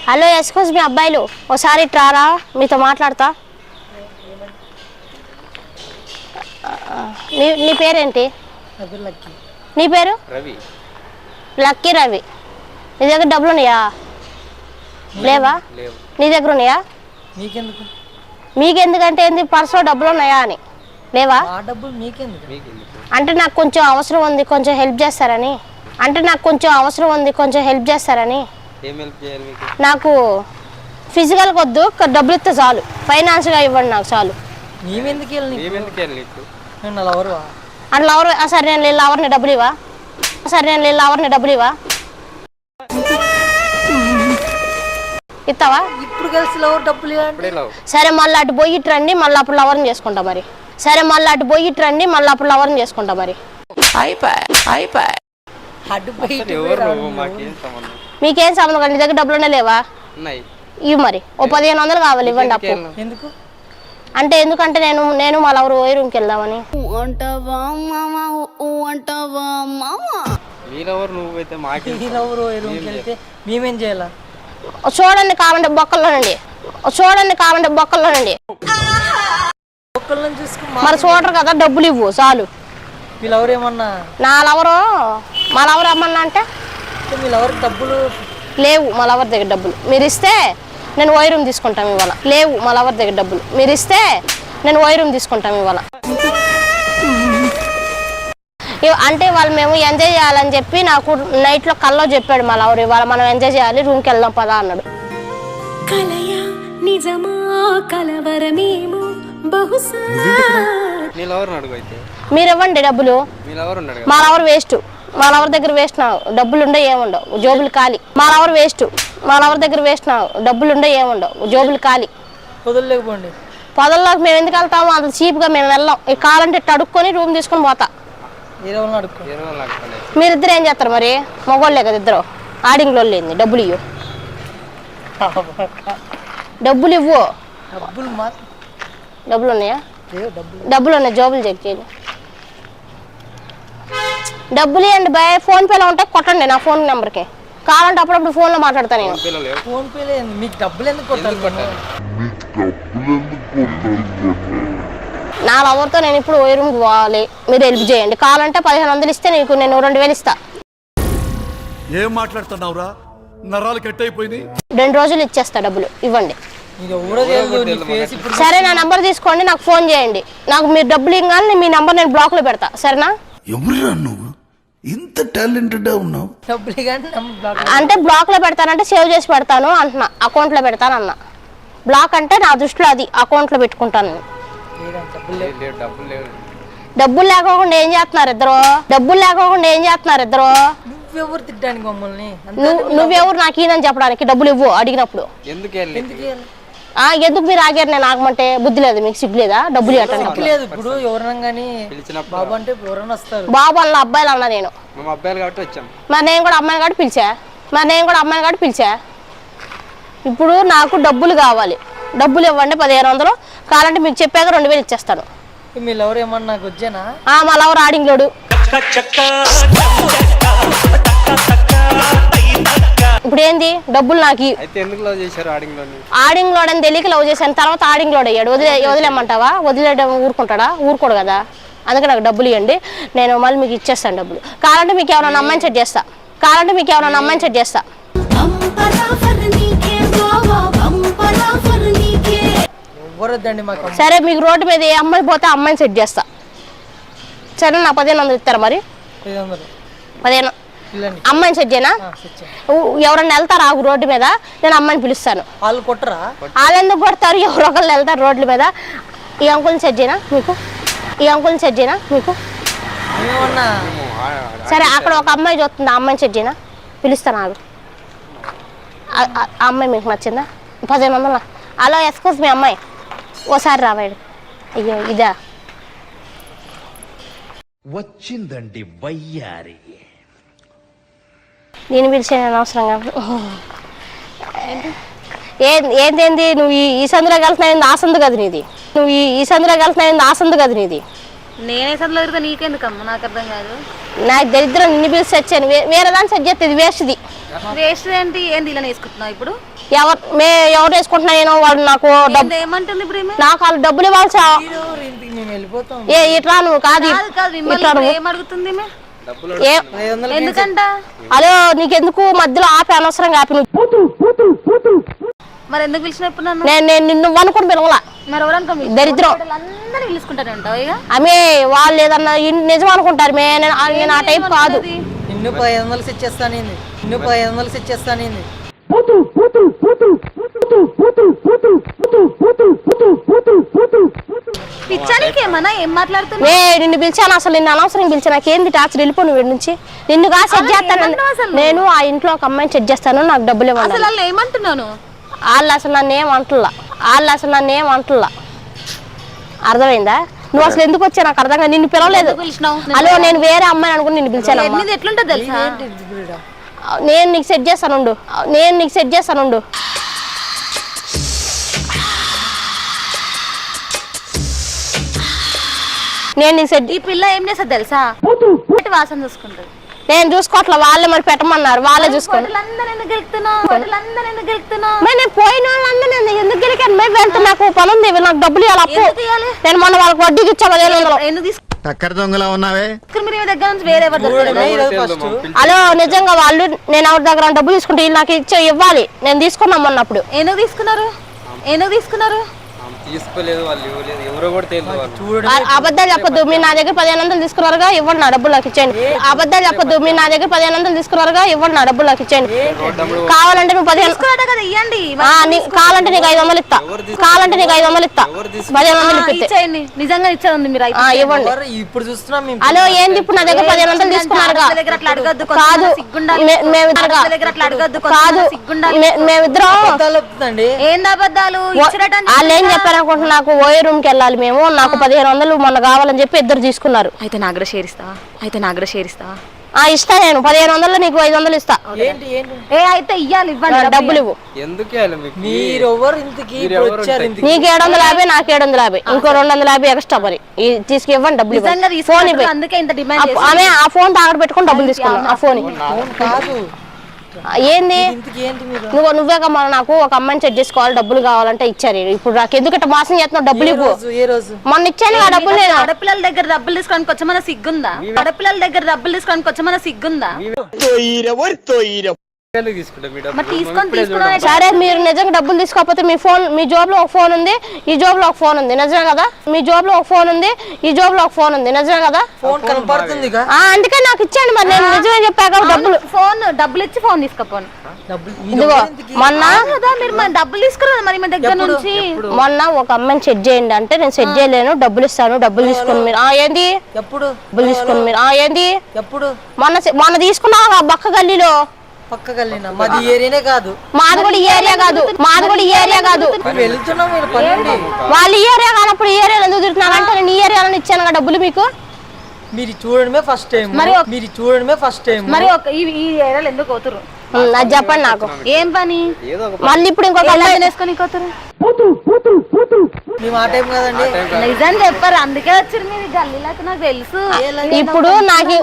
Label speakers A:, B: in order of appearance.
A: Hello excuse me అబ్బాయిలు ఒకసారి ట్రారా మీతో మాట్లాడతా. నీ పేరేంటి? నీ పేరు?
B: రవి.
A: లక్కీ రవి. నీ దగ్గర డబ్బులు ఉన్నాయా? లేవా? నీ దగ్గర ఉన్నాయా? మీకెందుకంటే ఏంది, పర్సులో డబ్బులు ఉన్నాయా అని. లేవా? అంటే నాకు కొంచెం అవసరం ఉంది, కొంచెం హెల్ప్ చేస్తారని. నాకు ఫిజికల్గా వద్దు, డబ్బులు ఇస్తే చాలు. ఫైనాన్స్గా ఇవ్వండి నాకు చాలు. అంటే లవర్? సరే నేను లవర్ని డబ్బులు ఇవ్వా? ఇస్తావా?
C: ఇప్పుడు కలిసి లవర్ డబ్బులు
A: సరే మళ్ళీ అటు పోయి ఇటు రండి, మళ్ళీ అప్పుడు లవర్ని చేసుకుంటా మరి. మీకేం సంబంధం కానీ నీ దగ్గర డబ్బులు లేవా? ఇవి మరి ఓ 1500 కావాలి, ఇవ్వండి అప్పు. అంటే ఎందుకంటే నేను మా లవర్ ఓయి రూమ్కి వెళ్దామని.
C: మేమేం చేయాలా?
A: చూడండి కావండి బొక్కల్లోనండి, మరి చూడరు కదా, డబ్బులు ఇవ్వు చాలు.
C: మీ లవర్ ఏమన్నా?
A: మా లవర్ ఏమన్నా అంటే
C: మీ లవర్ డబ్బులు
A: లేవు, మా లవర్ దగ్గర డబ్బులు మీరు ఇస్తే నేను ఓయి రూమ్ తీసుకుంటాం ఇవాళ. అంటే వాళ్ళు మేము ఎంజాయ్ చేయాలని చెప్పి నాకు నైట్లో కల్లో చెప్పాడు మా లవర్, ఇవాళ మనం ఎంజాయ్ చేయాలి, రూమ్కి వెళ్దాం పదా అన్నాడు. మీరు ఇవ్వండి డబ్బులు. మా లవర్ వేస్ట్, మా లవర్ దగ్గర వేస్ట్ నా డబ్బులు ఉండే ఏముండవు, జోబులు ఖాళీ. మా లవర్ దగ్గర వేస్ట్ నా డబ్బులు ఉండే ఏముండవు, జోబులు ఖాళీ. పొదల్లోకి మేము ఎందుకు వెళ్తాము, అంత చీప్గా మేము వెళ్ళాం. ఈ కాలంటే అడుక్కొని రూమ్ తీసుకొని పోతా. మీరిద్దరు ఏం చేస్తారు మరి? మగోళ్ళే కదా ఇద్దరు, ఆడింగ్ లో లేని. డబ్బులు ఇవ్వు. డబ్బులు ఉన్నాయా? డబ్బులు ఉన్నాయి, జోబులు చెక్ చేయండి. డబ్బులు ఇవ్వండి బాయ్. ఫోన్ పేలో ఉంటే కొట్టండి నా ఫోన్ నెంబర్కి. కావాలంటే అప్పుడప్పుడు ఫోన్లో మాట్లాడతాను నేను. నా లవర్తో నేను ఇప్పుడు ఓయి రూమ్కి పోవాలి, మీరు హెల్ప్ చేయండి. కావాలంటే 1500 ఇస్తే నీకు నేను 2000 ఇస్తా.
D: ఏం మాట్లాడుతున్నావురా? నరాలు కట్ అయిపోయినాయి.
A: 2 రోజులు ఇచ్చేస్తా, డబ్బులు ఇవ్వండి. సరే నా నంబర్ తీసుకోండి, నాకు ఫోన్ చేయండి. నాకు మీరు డబ్బులు ఇవ్వాలి, మీ నంబర్ నేను బ్లాక్ లో పెడతా, సరేనా?
D: ఎవరురా నువ్వు ఇంత టాలెంటెడ్ ఉన్నావు?
A: అంటే బ్లాక్ లో పెడతానంటే సేవ్ చేసి పెడతాను అంటున్నా, అకౌంట్ లో పెడతాను అన్న. బ్లాక్ అంటే నా దృష్టిలో అది అకౌంట్ లో పెట్టుకుంటాను. డబ్బులు లేకోకుండా ఏం చేస్తున్నారు ఇద్దరు? నువ్వెవరు నాకు ఈయనని చెప్పడానికి? డబ్బులు ఇవ్వు అడిగినప్పుడు. ఎందుకు మీరు ఆగారు? నేను ఆగమంటే బుద్ధి లేదు మీకు? సిగ్గు లేదా? డబ్బులు బాబు అన్న అబ్బాయిలు అన్నా నేను. మరి నేను కూడా అమ్మాయిని కాబట్టి పిలిచా. ఇప్పుడు నాకు డబ్బులు కావాలి, డబ్బులు ఇవ్వండి 1500. కావాలంటే మీకు చెప్పాక 2000 ఇచ్చేస్తాను. మా లవర్ ఆడింగ్ లోడు. ఇప్పుడు ఏంది డబ్బులు నాకు? ఆడింగ్ లోడ్ అని తెలియక లవ్ చేశాను, తర్వాత ఆడింగ్ లోడ్ అయ్యాడు. వదిలేమంటావా? వదిలేయడం ఊరుకుంటాడా? ఊరుకోడు కదా. అందుకే నాకు డబ్బులు ఇవ్వండి, నేను మళ్ళీ మీకు ఇచ్చేస్తాను డబ్బులు. కావాలంటే మీకు ఎవరైనా అమ్మాయిని సెట్ చేస్తా. సరే మీకు రోడ్డు మీద ఏ అమ్మాయి పోతే అమ్మాయిని సెట్ చేస్తా, సరే? నా 1500 ఇస్తారా మరి? 15 అమ్మాయిని సెట్ చేయనా? ఎవరన్నా వెళ్తారా రోడ్డు మీద? నేను అమ్మాయిని పిలుస్తాను. వాళ్ళు ఎందుకు కొడతారు? ఎవరో ఒకళ్ళు వెళ్తారు రోడ్ల మీద. ఈ అంకుల్ని సెట్ చేయనా మీకు? సరే అక్కడ ఒక అమ్మాయి చూస్తుంది, ఆ అమ్మాయిని సెట్ చేయనా? పిలుస్తాను ఆగు. ఆ అమ్మాయి మీకు నచ్చిందా? 1500. హలో ఎక్స్క్యూజ్ మీ అమ్మాయి, ఓసారి రావాడు. అయ్యో ఇదా
D: వచ్చిందండి వయ్యారి.
A: నేను పిలిచాను అనవసరంగా. ఏంది నువ్వు ఈ సందులో కలిసినా ఆ సందు కదా నీది.
E: నేనే సందులో తిరిగితే నీకెందుకమ్మా? నాకు అర్థం కాదు.
A: నాకు దరిద్రం నిన్ను పిలిచి వచ్చాను, వేరే దాన్ని సెట్ చేస్తే ఇది వేస్ట్ది.
B: వేస్ట్ ఏంటి ఏంది ఇలా వేసుకుంటున్నావు ఇప్పుడు
A: ఎవరు వేసుకుంటున్నా నేను వాడు నాకు
B: ఏమంటుంది ఇప్పుడు
A: నాకు వాళ్ళు డబ్బులు ఇవ్వాల్సి
C: ఇంటికి మేము వెళ్ళిపోతాం.
A: ఇట్లా నువ్వు కాదు
B: ఏం అడుగుతుంది
C: ఎందుకంట
A: అదే నీకెందుకు మధ్యలో ఆపి అనవసరంగా ఆపి
B: మరి ఎందుకు పిలిచినప్పుడు నన్ను
A: నేను నిన్ను అనుకుని పిలవలా
B: మరి ఎవరనుకో
A: దరిద్రం
B: అందరూ పిలుచుకుంటారు అంటావు ఇక
A: ఆమె వాళ్ళు ఏదన్నా నిజం అనుకుంటారు నేను ఆ టైప్ కాదు.
C: నిన్ను 500 ఇచ్చేస్తానింది, నిన్ను 500 ఇచ్చేస్తానింది.
B: పిచ్చానికేమన్నా ఏం మాట్లాడుతున్నా
A: నిన్ను పిలిచాను అసలు నిన్ను అనవసరం పిలిచాను. నాకేంది టార్చర్ వెళ్ళిపో నువ్వు నుంచి నిన్ను కాదు సెట్ చేస్తాను నేను. ఆ ఇంట్లో ఒక అమ్మాయిని సెట్ చేస్తాను, నాకు డబ్బులు ఇవ్వండి.
B: అసలు వాళ్ళు ఏమంటున్నాను
A: వాళ్ళు అసలు నన్ను ఏం అంటలా అర్థమైందా? నువ్వు అసలు ఎందుకు వచ్చా నాకు అర్థంగా నిన్ను పిలవలేదు. అలో నేను వేరే అమ్మాయిని అనుకుని నిన్ను పిలిచాను.
B: ఎట్లుంటో తెలుసా
A: నేను నీకు సెట్ చేస్తానుండు నేను నీకు సెట్
B: ఈ పిల్ల ఏం చేస్తా తెలుసా వాసన చూసుకుంటది.
A: నేను చూసుకోవట్లే, వాళ్ళే మరి పెట్టమన్నారు, వాళ్ళే చూసుకోండి. నేను పోయిన వాళ్ళందరూ ఎందుకు గెలికాను? నాకు పని ఉంది, నాకు డబ్బులు ఇవ్వాలి. అప్పు నేను మొన్న వాళ్ళకి వడ్డీకి ఇచ్చా 1500. హలో నిజంగా వాళ్ళు నేను ఎవరి దగ్గర డబ్బులు తీసుకుంటే వీళ్ళు నాకు ఇవ్వాలి. నేను తీసుకున్నాం మొన్నప్పుడు.
B: ఎందుకు తీసుకున్నారు
A: అబద్ధాలు చెప్పొద్దు. మీరు నా దగ్గర 1500 తీసుకున్నారుగా, ఇవ్వండి నా డబ్బులు నాకు ఇచ్చేయండి. అబద్ధాలు చెప్పొద్దు. మీరు నా దగ్గర 1500 తీసుకున్నారుగా, ఇవ్వండి నా డబ్బులు నాకు ఇచ్చేయండి. కావాలంటే నువ్వు 1500
B: ఇవ్వండి,
A: కావాలంటే నీకు 500 ఇస్తా, 1500
B: ఇచ్చేయండి. నిజంగా ఇచ్చేది మీరు
A: ఇవ్వండి.
C: ఇప్పుడు చూస్తున్నాం.
A: హలో ఏంది ఇప్పుడు నా దగ్గర 1500 తీసుకున్నారుగా? కాదు మేమిద్దరం
B: ఏం అబద్ధాలు
A: వాళ్ళు ఏం చెప్పారు అనుకుంటున్నా? నాకు ఓయే రూమ్ కి వెళ్ళాలి మేము, నాకు 1500 మొన్న కావాలని చెప్పి ఇద్దరు తీసుకున్నారు.
B: అయితే నాగర షేరిస్తావా?
A: ఇస్తా. నేను 1500 నీకు 500 ఇస్తా.
B: అయితే ఇయ్యాలి, ఇవ్వండి
A: డబ్బులు ఇవ్వు. నీకు 750, నాకు 750, ఇంకో 250 ఎక్స్ట్రా మరి తీసుకు ఇవ్వండి డబ్బులు. ఫోన్
B: అందుకే ఇంత డిమాండ్.
A: ఆమె ఆ ఫోన్ తాగడ పెట్టుకుని డబ్బులు తీసుకున్నాను. ఆ ఫోన్ ఏంది? నువ్వే మన నాకు ఒక అమ్మాయిని సెట్ చేసుకోవాలి, డబ్బులు కావాలంటే ఇచ్చారు. ఇప్పుడు నాకు ఎందుకు మోసం చేస్తున్నావు? డబ్బులు ఇవ్వు. మొన్న ఇచ్చాను ఆ డబ్బులు. నేను
B: ఆడపిల్లల దగ్గర డబ్బులు తీసుకోవడానికి వచ్చమన్నా సిగ్గుందా? సరే మీరు నిజంగా డబ్బులు తీసుకోకపోతే మీ జోబ్ లో ఒక ఫోన్ ఉంది, ఈ జోబ్ లో ఒక ఫోన్ ఉంది, నిజమే కదా? మీ జోబ్ లో ఒక ఫోన్ ఉంది, ఈ జోబ్ లో ఒక ఫోన్ ఉంది, నిజమే కదా? అందుకే నాకు ఇచ్చాను. మరి నేను నిజమే చెప్పాక డబ్బులు ఇచ్చి ఫోన్ తీసుకోపోను.
A: ఇదిగో మొన్న
B: మీరు డబ్బులు తీసుకున్నారు మరి మీ దగ్గర నుంచి.
A: మొన్న ఒక అమ్మాయిని సెట్ చేయండి అంటే నేను సెట్ చేయలేను, డబ్బులు ఇస్తాను, డబ్బులు తీసుకుని మీరు ఏంది? డబ్బులు తీసుకుని మీరు ఏంది? మొన్న తీసుకున్నావు బక్క గల్లీలో.
C: మాది ఏరియానే కాదు,
A: మాది కూడా ఈ ఏరియా కాదు. వాళ్ళ ఏరియా కానప్పుడు ఈ ఏరియాలో ఎందుకు తిరుగుతున్నారంటే నేను ఈ ఏరియాలో ఇచ్చాను డబ్బులు మీకు.
C: మీరు చూడడమే ఫస్ట్ టైం.
B: మరి ఈ ఏరియాలో ఎందుకు పోతురు?
A: అది చెప్పండి నాకు.
B: ఏం పని?
A: మళ్ళీ ఇప్పుడు ఇంకొక
B: వేసుకొని పోతురు.
C: నిజం
B: చెప్పారు, అందుకే వచ్చారు మీరు గల్లీలకు. నాకు తెలుసు.
A: ఇప్పుడు నాకు